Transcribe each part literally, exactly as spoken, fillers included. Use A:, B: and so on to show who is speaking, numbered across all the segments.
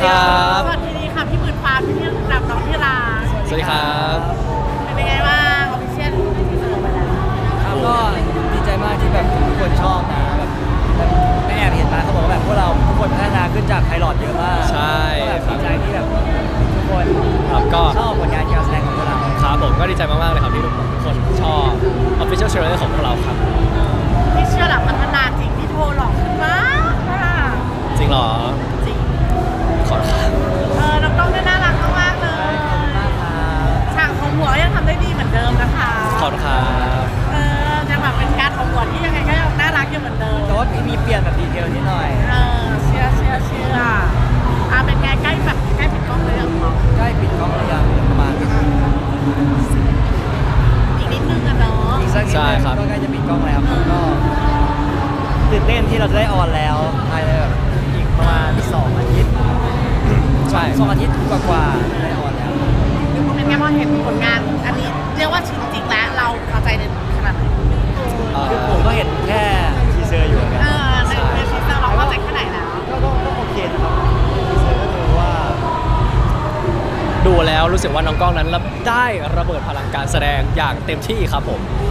A: ครับ
B: สวัสดีค่ะพี่หมื่นฟ้าพี่ที่รับน้องที่รัก
A: สวัสดีครับ
B: เป็นยังไงบ้างออฟฟิเชียลที่เสนอไปแล้ว
C: ครับก็ดีใจมากที่แบบทุกคนชอบนะแบบแบบแม่แอบเห็นมาเขาบอกว่าแบบพวกเราทุกคนพัฒนาขึ้นจากไพลอตเยอะมาก
A: ใช่
C: ก็แบบ
A: ครั
C: ดี
A: บ
C: ใจที่แบบทุกคน
A: ครับก็
C: ชอบผลงานการแสดงของพวกเรา
A: ครับผมก็ดีใจมากๆเลยครับที่ทุกคนชอบ Official Trailer ของพวกเราครับ
B: พี่เชื่อหลักพัฒนาจริงพี่โทรหลอกขึ้นมากค่ะ
A: จริงเหรอ
B: จริง
A: ขอบคุณครับ
B: เออน้องต้องได้น่ารักมากๆเลย
C: ขอบคุณมากครับ
B: ฉากของหัวยังทำได้ดีเหมือนเดิมนะคะ
A: ขอบคุณครับ
B: เออยังแบบเป็นการของหัวที่ยังไงก็ยังน่ารักอยู่เหมือนเดิม
C: แต่ว่ามีเปลี่ยนแบบดีเทลนิดหน่อย
B: เออเชื่อเชื่อเชื่ออ่ะเป็นไงใกล้แบบใกล้ปิดกล้องเลยเหรอ
C: ใกล้ปิดกล้องหรือยังประมาณ
B: อีกนิดนึงอะเนาะ
C: อีกสักนิดนึงก็ใกล้จะปิดกล้องแล้วครับก็ตื่นเต้นที่เราจะได้ออนแล้วภายในแบบอีกประมาณสองอาทิตย์
A: ใช่
C: สองอาทิตย์กว่าๆจะได้ออนแล้ว
B: เป็นไงพอเห็นผลงานอันนี้เรียกว่าจริงๆแล้วเราพอใจในขนาดไหน
A: เอ่อ
C: คือผมก็เห็นแค่ทีเซอร์อยู่เหมือนกัน
B: เออในในชีวิตเราพอใจแค่ไหนแล้ว
C: ก็ก็ก็โอเคนะครับทีเซอร์ก็คือว่า
A: ดูแล้วรู้สึกว่าน้องกล้องนั้นได้ระเบิดพลังการแสดงอย่างเต็มที่ครับผม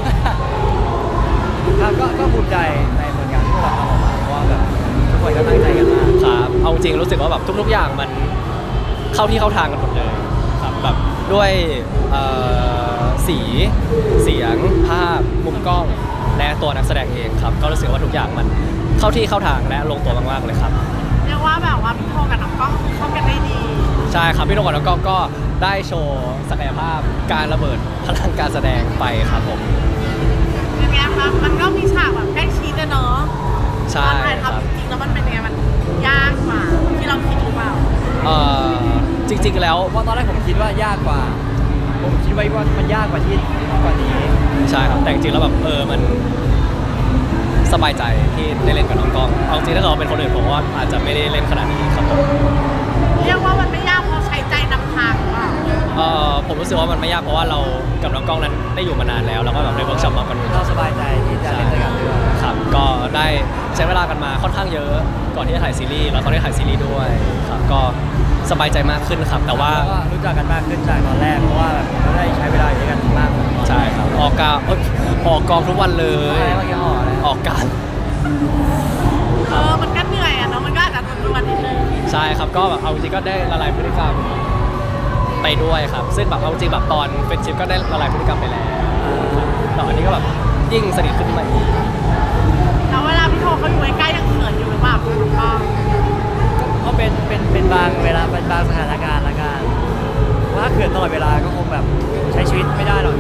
C: ครับก็ก็ภูมิใจในผลงานที่พวกเราทำออกมาเพราะว่าแบบทุกคนก็ตั้งใจกันมาก
A: ครับเอาจริงรู้สึกว่าแบบทุกๆอย่างมันเข้าที่เข้าทางกันหมดเลยครับแบบด้วยเอ่อสีเสียงภาพมุมกล้องและตัวนักแสดงเองครับก็รู้สึกว่าทุกอย่างมันเข้าที่เข้าทางและลงตัวมากๆเลยครับ
B: เรียกว่าแบบว่าพี่โทกับน้องกล้องเข้ากันได้ดี
A: ใช่ครับพี่นกกับน้องกล้องก็ได้โชว์ศักยภาพการระเบิดพลังการแสดงไปครับผม
B: เป็นไงครับมันก็มีฉากแบบใกล้ชิดอะเนาะ
A: ใช่
B: ตอนถ่าย
A: ครับ
B: ทำจริงๆแล้วมันเป็นยังไงมันยากกว่าที่เราคิดหรือเปล่า
A: เอ่อจริงๆแล้ว
C: เพราะตอนแรกผมคิดว่ายากกว่า ผมคิดไว้ว่ามันยากกว่าที่กว่านี้
A: ใช่ครับแต่จริงๆแล้วแบบเออมันสบายใจที่ได้เล่นกับน้องกล้องเอาจริงถ้าเราเป็นคนอื่นผมว่าอาจจะไม่ได้เล่นขนาดนี้ครับผม
B: เรียกว่ามันไม่ยากเพราะใช้ใจนำทางหรือเปล่า
A: เอ่อผมรู้สึกว่ามันไม่ยากเพราะว่าเรากับน้องกล้องนั้นได้อยู่มานานแล้วแล้วก็แบบได้เวิร์กช็อปมากัน
C: เราสบายใจที่จะเล่นด้วยกันด้วย
A: ครับก็ได้ใช้เวลากันมาค่อนข้างเยอะก่อนที่จะถ่ายซีรีส์แล้วก็ได้ถ่ายซีรีส์ด้วยครับก็สบายใจมากขึ้นครับแต่ว่า
C: แล้วก็รู้จักกันมากขึ้นจากตอนแรกเพราะว่าแบบเราได้ใช้เวลาอยู่ด้วยกันมากกว่าตอนแรก
A: ใช่ครับออกกาเอ้ยออกกองทุกวันเล
C: อะไร
A: ย
C: เมื่อกี้ห่ออะไร
A: ออกการ
B: เออมันก็เหนื่อยอะเนาะมันก็อาจจะรวนๆนิดนึง
A: ใช่ครับก็แบบเอาจริงก็ได้ละลายพฤติกรรมไปด้วยครับซึ่งแบบเอาจริงแบบตอนเฟรนชิพก็ได้ละลายพฤติกรรมไปแล้วแต่อันนี้ก็แบบยิ่งสนิทขึ้นมาอีก
B: แล้วเวลาพี่โทเขาอยู่ใกล้ๆยังเขินอยู่หรือเปล่าพี่น้องกล้อง
C: ก็เป็นเป็นเป็นบางเวลาเป็นบางสถานการณ์ละกันว่าเขินตลอดเวลาก็คงแบบใช้ชีวิตไม่ได้หรอกนะ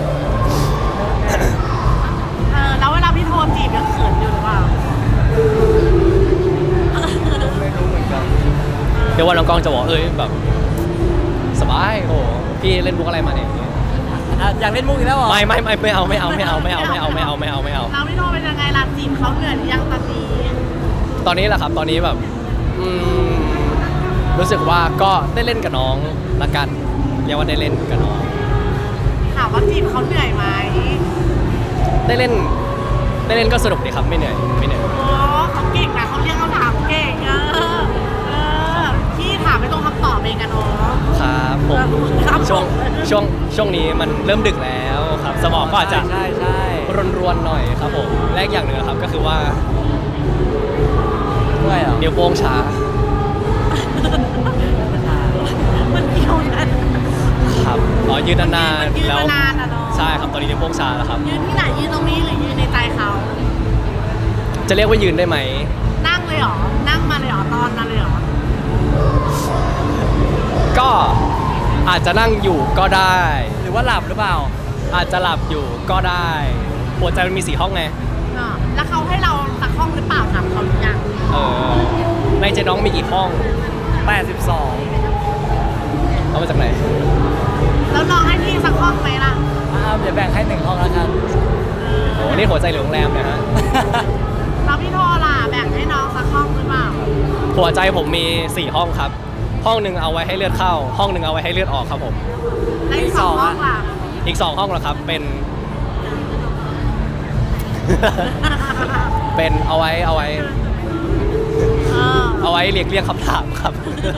B: เออแล้วเวลาพี่โทจีบยังเขินอยู่หรือเปล่า
C: ไม่รู้เหมือนกัน
A: เดี๋ยววันน้องกล้องจะบอกเอ้ยแบบสบายโอ้พี่เล่นมุกอะไรมาเนี่ย
C: อ่ะอยากเล่นมุกอีกแล้วเหรอ
A: ไม่ไม่ไม่ไม่เอาไม่เอาไม่เอาไม่เอาไม่เอาไม่เอาไม่เอาไม่เอา
B: แล้วพี่โทเป็นยังไงล่ะจีบเขาเหนื่อยหรือยังตอนนี้
A: ตอนนี้แหละครับตอนนี้แบบอืมรู้สึกว่าก็ได้เล่นกับน้องละกันเรียกว่าได้เล่นกับน้อง
B: ถามว่าจีบเขาเหนื่อยไหม
A: ได้เล่นได้เล่นก็สนุกดีครับไม่เหนื่อยไม่เหนื่อย
B: โอ้เขาเก่งนะเขาเรียกเขาถามเก่งเออเออพี่ถามไม่ตรงคำตอบเองกันเนาะ
A: ครับผม
B: ครับผม
A: ช่วงช่วงช่วงนี้มันเริ่มดึกแล้วครับสมองก็อาจจะ
C: ใช่ใช่
A: รวนๆหน่อยครับผมและอีกอย่างหนึ่งครับก็คือว่า
C: ด้วยเหรอ
A: นิ้วโป้งช้า
B: มันเกี่ยวกัน
A: ครับอ๋อยืนนาน
B: มันยืน
A: ๆแล้ว
B: มานานอะเนาะ
A: ใช่ครับตอนนี้นิ้วโป้งช้าแล้วครับ
B: ยืนที่ไหนยืนตรงนี้หรือยืนในใจเขา
A: จะเรียกว่ายืนได้ไหม
B: นั่งเลยเหรอ นั่งมาเลยเหรอ ตอนมาเลยเหรอ
A: ก็อาจจะนั่งอยู่ก็ได้
C: หรือว่าหลับหรือเปล่า
A: อาจจะหลับอยู่ก็ได้หัวใจมันมีสี่ห้องไง
B: เออแล้วเขาให้เราสักห้องหรือเปล่าถามเขาหรือยัง
A: เออในใจน้องมีกี่ห้อง
C: แปดสิบสอง
A: เอามาจากไหน
B: แล้วน้องให้พี่สักห้องไหมล่ะ
C: อ้าวเดี๋ยวแบ่งให้หนึ่งห้องแล้วกัน
A: โอ้นี่หัวใจหรือโรงแรมเนะฮะ
B: แล้วพี่โทรล่ะแบ่งให้น้องสักห้องหรือเปล่า
A: หัวใจผมมีสี่ห้องครับ ห้องหนึ่งเอาไว้ให้เลือดเข้า ห้องหนึ่งเอาไว้ให้เลือดออกครับผม
B: แล้วอีกสองห้องล่ะ
A: อีกสองห้องละครับเป็น เป็นเอาไว้เอาไว้
B: เออ
A: เอาเอาไว้เรียกเรียกคำถามครับ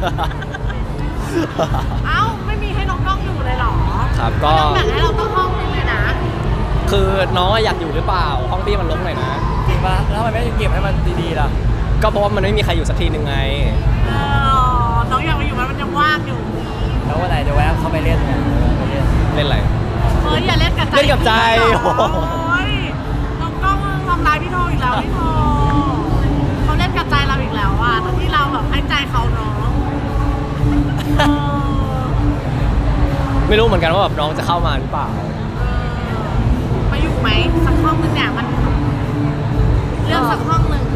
B: เอ้าไม่มีให้น้องกล้องอยู่เลยเหรอ
A: ครับก็
B: ต้องแบ่งให้เราต้องห้องนึงเลยนะ
A: คือน้องอยากอยู่หรือเปล่าห้องพี่มันรกหน่อยนะ
C: จริงปะแล้วทำไมไม่เก็บให้มันดีๆล่ะ
A: ก็เพราะว่ามันไม่มีใครอยู่สักทีหนึ่งไง
B: เออน้องอยากมาอยู่มันมันยังว่างอยู่
C: แล้ววันไหนจะแวะเข้าไปเล่นเนี่ยไปเล่น
A: เล่นอะไร
B: เฮ้ยอย่าเล่นกับใจ
A: เล่นกับใจ
B: พี่โอ้ยน้องกล้องทำร้ายพี่โทอีกแล้วพี่โทเขาเล่นกับใจเราอีกแล้วอ่ะทั้งที่เราแบบให้ใจเขาเนาะเออ
A: ไม่รู้เหมือนกันว่าแบบน้องจะเข้ามาหรือเปล่า
B: มาอยู่ไหมสักห้องนึงเนี่ยมันเลือกสักห้องหนึ่ง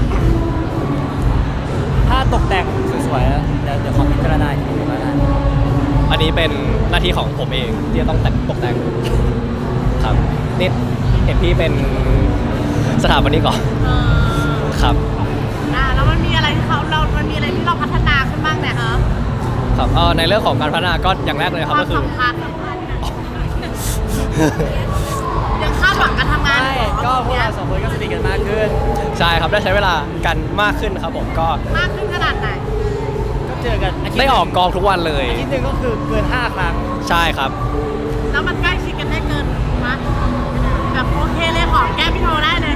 C: ถ้าตกแต่งสวยๆนะเดี๋ยวเดี๋ยวขอพิจารณาอีกทีหนึงแล้วกัน
A: อันนี้เป็นหน้าที่ของผมเองที่จะต้องแต่งตกแต่งครับนี่เห็นพี่เป็นสถาปนิกก่อน
B: เออ
A: ครับ
B: อ่าแล้วมันมีอะไรที่เขาเรา มันมีอะไรที่เราพัฒนาขึ้นบ้างเนี่ยฮะ
A: ครับเอ่อในเรื่องของการพัฒนาก็อย่างแรกเลยครับ
B: ควา
A: ก็
B: ม
A: คือ
B: สัมพันธ์ยังคาดหวังการทำงาน
C: ใช่
B: อยู่เหรอ
C: ก็พวก
B: เนี่ย
C: เราสองคนก็สนิทกันมากขึ้น
A: ใช่ครับได้ใช้เวลากันมากขึ้นครับผมก็
B: มากขึ้นขนาดไหน
C: ก็เจอกันาทิตย์
A: ได้ออกกองทุกวันเลย
C: อาทิตย์หนึงก็คือเกินห้าครั้ง
A: ใช่ครับ
B: แล้วมันใกล้ชิดกันได้เกินมะแบบโอเคเลยหอมแก้มพี่โทได้เลย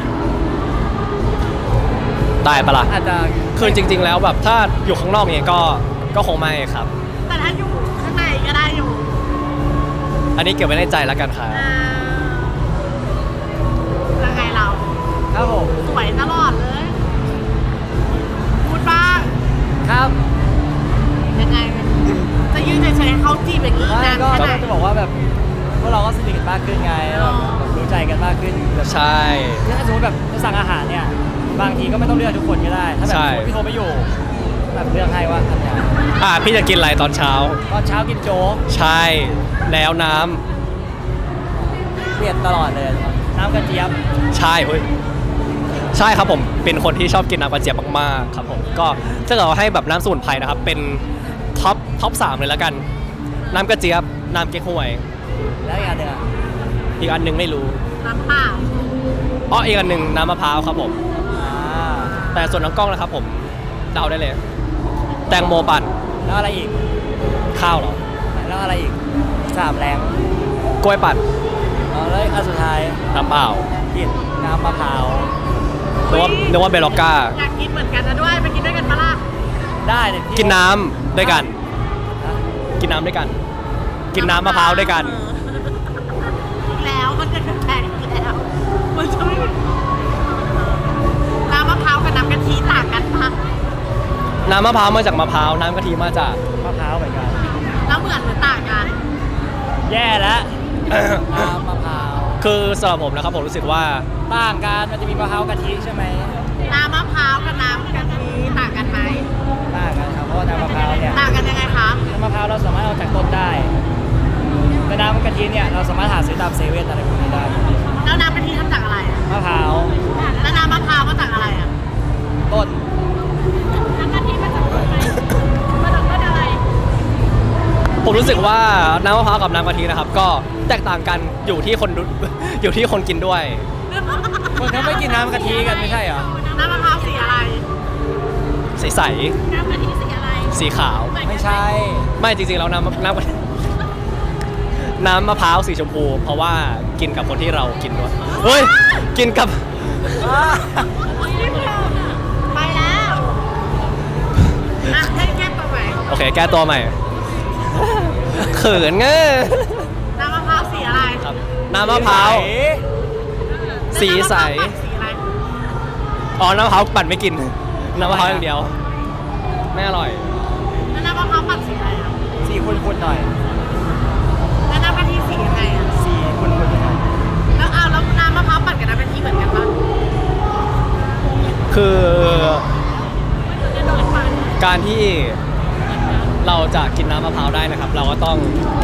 A: ได้ปะล่ะ
C: อาจจะ
A: คือจริง ๆ แล้วแบบถ้าอยู่ข้างนอกเนี่ยก็ก็คงไม่ครับ
B: แต่ถ้าอยู่ข้างในก็ได้อยู่
A: อันนี้เก็บไว้ในใจแล้วกันครับ
B: อ่ายังไงเรา
C: ครับผม
B: สวยตลอดเลย พูดบ้าง
C: ครับ
B: ยังไง จะยืนเฉยๆให้เขาจีบอย่างนี้อีก
C: ไม่
B: นาน
C: ก็
B: แค่ไหน
C: จะบอกว่าแบบพวกเราก็สนิทกันมากขึ้นไงแบบแบบรู้ใจกันมากขึ้นแบบ
A: ใช่
C: ถ้าสมมติแบบจะสั่งอาหารเนี่ยบางทีก็ไม่ต้องเลือกทุกคนก็ได้ ถ้าแบบ
A: ใช่
C: พี่โทรไม่อยู่แบบเลือกให้ว่าอันเนี้ย
A: อ่ะพี่จะกินอะไรตอนเช้า
C: ตอนเช้ากินโจ๊ก
A: ใช่แล้วน้ำ
C: เปลี่ยนตลอดเลยน้ำกระเจี๊ยบ
A: ใช่เฮ้ยใช่ครับผมเป็นคนที่ชอบกินน้ำกระเจี๊ยบมากๆครับผมก็ถ้าเกิดว่าให้แบบน้ำสมุนไพรนะครับเป็นท็อปท็อปสามเลยแล้วกัน น้ำกระเจี๊ยบน้ำเก๊กฮวย
C: แล้วอีกอันหนึ่งอะ
A: อีกอันหนึงไม่รู้
B: น้ำเปล่า
A: อ๋ออีกอันหนึ่งน้ำมะพร้าวครับผม
C: อ่า
A: แต่ส่วนน้องกล้องนะครับผมเดาได้เลย แตงโมปั่น
C: แล้วอะไรอีก
A: ข้าวเหรอ
C: แล้วอะไรอีกสามแรง
A: กล้วยปั่น
C: อ๋อแล้วอันสุดท้าย
A: น้ำเปล่า
C: กินน้ำมะพร้าว
A: นึกว่านึกว่าเบลล็อกก้า
B: อยากกินเหมือนกันนะด้วย ไปกินด้วยกันปะล่ะ
C: ได้เลยพี่
A: กินน้ำด้วยกัน
C: ฮะ
A: กินน้ำด้วยกัน กินน้ำมะพร้าวด้วยกัน
B: เอออีกแล้วมันจะแปลกอีกแล้ว มันจะไม่น้ำมะพร้าวกับน้ำกะทิต่างกันปะ
A: น้ำมะพร้าวมาจากมะพร้าว น้ำกะทิมาจาก
C: มะพร้าวเหมือนกัน
B: แล้วเหมือนหรือต่างกัน
C: แย่แล้วน้ำมะพร้าว
A: คือสำหรับผมนะครับผมรู้สึกว่า
C: ต่างกันมันจะมีมะพร้าวกะทิใช่ไหม
B: น้ำมะพร้าวกับน้ำกะทิต่างกันไหม
C: ต่างกันครับเพราะว่าน้ำมะพร้าวเนี่ย
B: ต่างกันยังไงคะ
C: น้ำมะพร้าวเราสามารถเอาจากต้นได้แต่น้ำกะทิเนี่ยเราสามารถหาซื้อตามเซเว่นอะไรพวกนี้ได้
B: แล้วน้ำกะทิทำจากอะไรอะ
C: มะพร้าว
B: แล้วน้ำมะพร้าวมาจากอะไรอ่ะ
C: ต้น
B: น้ำกะทิมาจากต้นไหมมาจากต้นอะไร
A: ผมรู้สึกว่าน้ำมะพร้าวกับน้ำกะทินะครับ ก็แตกต่างกันอยู่ที่คนดู อยู่ที่คนกินด้วย
C: คนเขาไม่กินน้ำกะทิกันไม่ใช่เหรอ
B: น้ำมะพร้าวสีอะไร
A: ใส
B: น้ำกะทิสีอะไร
A: ๆสีขาว
C: ไม่ใช่
A: ไม่จริงๆแล้วน้ำน้ำกะทิน้ำมะพร้าวสีชมพู เพราะว่ากินกับคนที่เรากินด้วยเฮ้ยกินกับ
B: ไปแล้วอ่ะให้แก้ตัวใหม่
A: โอเค แก้ตัวใหม่ เขินเงี้ย
B: น้ำมะพร้าวสีอะไร
A: ครับ น้ำมะพร้าว สีใส
B: แล้วน้ำมะพร้าวปั่นสีอะไร
A: อ๋อ น้ำมะพร้าวปั่นไม่กิน น้ำมะพร้าวอย่างเดียว ไม่อร่อย
B: แล้วน้ำมะพร้าวปั่นสีอะไรอ่ะ
C: สีคุณๆหน่อย
B: แล้วน้ำกะทิสียังไงอ่ะ
C: สีคุณๆหน่อย
B: แล้วเอาแล้วน้ำมะพร้าวปั่นกับน้ำกะทิเหมือนกันปะ
A: คือ
B: จะโดนปั่น
A: การที่เราจะกินน้ำมะพร้าวได้นะครับ เราก็ต้อง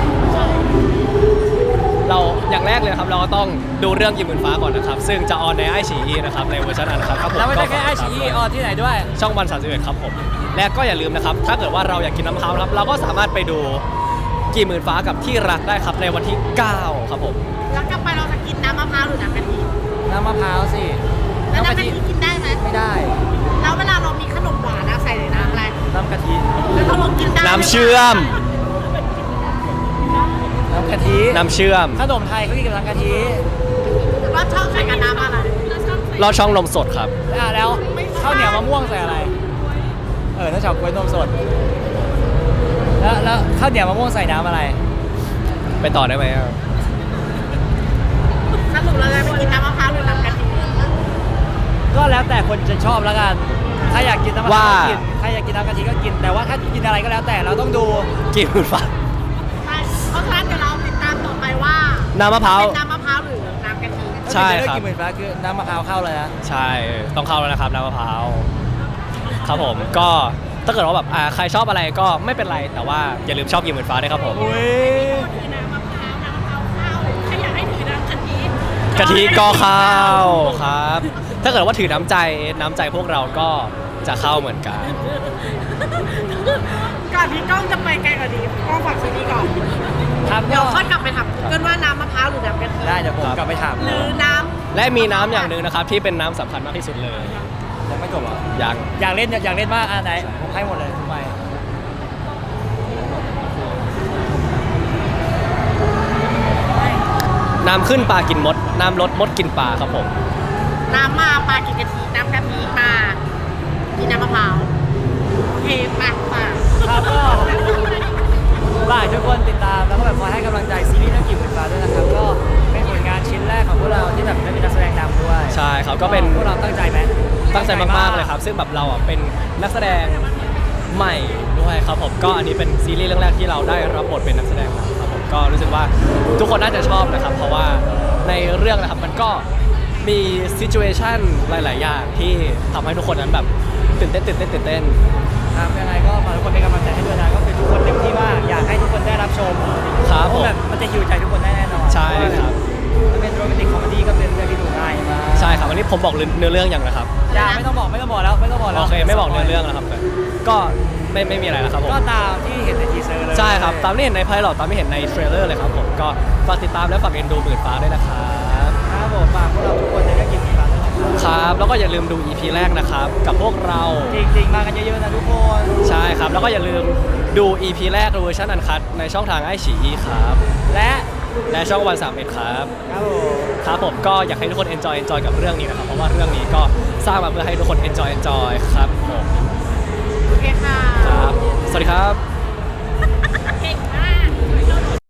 A: เราอย่างแรกเลยนะครับ เราก็ต้องดูเรื่องยิมหมื่นฟ้าก่อนนะครับ ซึ่งจะออนในไอชีอีนะครับในเวอร์ชันอันนะครับครับผม
C: แล้วไม่ได้แค่ไอ
A: ก็
C: ชี
A: ฝากติดตามด้วย
C: ออนที่ไหนด้วย
A: ช่องวันสามสิบเอ็ดครับผม และก็อย่าลืมนะครับ ถ้าเกิดว่าเราอยากกินน้ำมะพร้าวนะครับ เราก็สามารถไปดูกี่หมื่นฟ้ากับที่รักได้ครับในวันที่เก้าครับผม
B: แล้วกลับไปเราจะกินน้ำมะพร้าวหรือน้ำกะทิ
C: น้ำมะพร้าวสิ
B: แล้ว
C: น้ำ
B: น้ำ
C: กะ
B: กะ
C: ทิ
B: ทิกินได้ไหม
C: ไม่ได้
B: แล้วเวลาเรามีขนมหวานอะใส่ใน
C: ำกะทิ
B: แล้วต้องลองกินได้
A: น้ำเชื่อม
C: น้ำกะทิ
A: น้ำเชื่อม
C: ขนมไทยเขากินกับน้ำกะทิ
B: ว่าชอบใส่กับน้ำอะไร
A: ลอดช่องนมสดครับ
C: อ่ะแล้วข้าวเหนียวมะม่วงใส่อะไร เออถ้าชอบกล้วยนมสด แล้วแล้วข้าวเหนียวมะม่วงใส่น้ำอะไร
A: ไปต่อได้ไหมอะ
B: สรุปเราจะไปกินน้ำมะพร้าวหรือน้ำกะทิ
C: ก็แล้วแต่คนจะชอบแล้วกัน ถ้าอยากกินน้ำมะพร้าวก็กินถ้าอยากกินน้ำกะทิก็กิน แต่ว่าถ้ากินอะไรก็แล้วแต่เราต้องดู
A: กินหมื่นฟ้า
B: ใช่เพราะฉะนั้นเดี๋ยวเราติดตามต่อไปว่า
A: น้ำมะพร้าว
B: เป็นน้ำมะพร้าวหรือน้ำกะทิ
A: ใช่ครับ
C: ถ้ากินหมื่นฟ้าคือน้ำมะพร้าวเข้าเลยนะ
A: ใช่ ต้องเข้าแล้วนะครับน้ำมะพร้าว ครับผม ก็ถ้าเกิดว่าแบบอ่าใครชอบอะไรก็ไม่เป็นไร แต่ว่าอย่าลืมชอบกินหมื่นฟ้าด้วยครับผม
C: อุ้ย
B: ถือน้ำมะพร้าวน้ำมะพร้าวเข้าถ้าอยากให้ถือน้ำกะทิ
A: กะทิก็เข้าครับ ถ้าเกิดว่าถือน้ำใจน้ำใจพวกเราก็จะเข้าเหมือนกัน
B: ก่อนที่กล้องจะไปไกลกว่านี้กล้องฝากซีรีส์ก่อน
C: ครับ
B: เดี๋
C: ก็
B: ยวค่อยกลับไปถามกันว่าน้ำมะพร้าวหรือน้ำกะทิ
C: ได้เดี๋ยวผมกลับไปถาม
B: หรือน้
A: และมีน้ำอย่างหนึ่งนะครับที่เป็นน้ำสำคัญมากที่สุดเลย
C: ยังไม่จบเหรอ
A: ยัง
C: อยากเล่นอยากเล่นมากอ่ะไหนผมให้หมดเลยทุกใบ
A: น้ำขึ้นปลากินมด น้ำลดมดกินปลาครับผม
B: ำน้ำมาปลากินกะทิน้ำกะทิมากินน้ำมะพร้าวโอเคปากปาก
C: ครับก็ฝากทุกคนติดตามแล้วก็แบบคอยให้กำลังใจซีรีส์เรื่องกิ่งหมื่นฟ้าด้วยนะครับ ก็เป็นผลงานชิ้นแรกของพวกเราที่แบบได้เป็นนักแสดงนำด้วย
A: ใช่ครับก็เป็น
C: พวกเราตั้งใจไหม
A: ตั้งใจมากๆเลยครับ ซึ่งแบบเราอ่ะเป็นนักแสดงใหม่ด้วยครับผมก็อันนี้เป็นซีรีส์เรื่องแรกที่เราได้รับบทเป็นนักแสดงนะครับผมก็รู้สึกว่าทุกคนน่าจะชอบนะครับ เพราะว่าในเรื่องนะครับมันก็มีซิจูเอชันหลาย ๆ อย่างที่ทำให้ทุกคนนั้นแบบตื่นเต้นตื่นเต้นตื่นเต้น
C: ครับยังไงก็ฝากทุกคนเป็นกำลังใจให้ด้วยนะก็เป็นทุกคนเต็มที่มากอยากให้ทุกคนได้รับชม
A: ครับ
C: เพ
A: ผ
C: ราะ
A: ม
C: แบบมันจะฮิวใจทุกคนได้แน่นอน
A: ใช่ครับ
C: มันเป็นโรแมนติกคอมเมดี้ก็เป็นเรื่องที่ดูง่ายมาก
A: ใช่ครับวันนี้ผมบอกเนื้อเรื่องอย่างนะครับ
C: อย่าไม่ต้องบอกไม่ต้องบอกแล้วไม่ต้องบอกแล้ว
A: โอเคไม่บอกเนื้อเรื่องแล้วครับก็ไม่ไม่มีอะไรแล้วครับผม
C: ก็ตามที่เห็นในทีเซอร์เลย
A: ใช่ครับตามที่เห็นในไพลอตตามที่เห็นในเทรลเลอร์เลยครับผมก็ฝากติดตามและฝากเอ็นดูหมื่นฟ้าด้วยนะครับ
C: ครับผมฝากพวกเราทุกคนในเรื่องกิ่งหมื่นฟ้าด้วยนะครับ
A: ครับแล้วก็อย่าลืมดู อี พี แรกนะครับกับพวกเรา
C: จริงๆ มากันเยอะๆนะทุกคน
A: ใช่ครับแล้วก็อย่าลืมดู อี พี แรกเวอร์ชันอันคัดในช่องทางไอฉีอีครับ
C: และ
A: และช่องวันสามเอ็ดครับ
C: ครับผม
A: ครับผมก็อยากให้ทุกคน enjoy enjoy กับเรื่องนี้นะครับเพราะว่าเรื่องนี้ก็สร้างมาเพื่อให้ทุกคน enjoy enjoy ครับผม
B: โอเคค่ะ
A: ครับสวัสดีครับ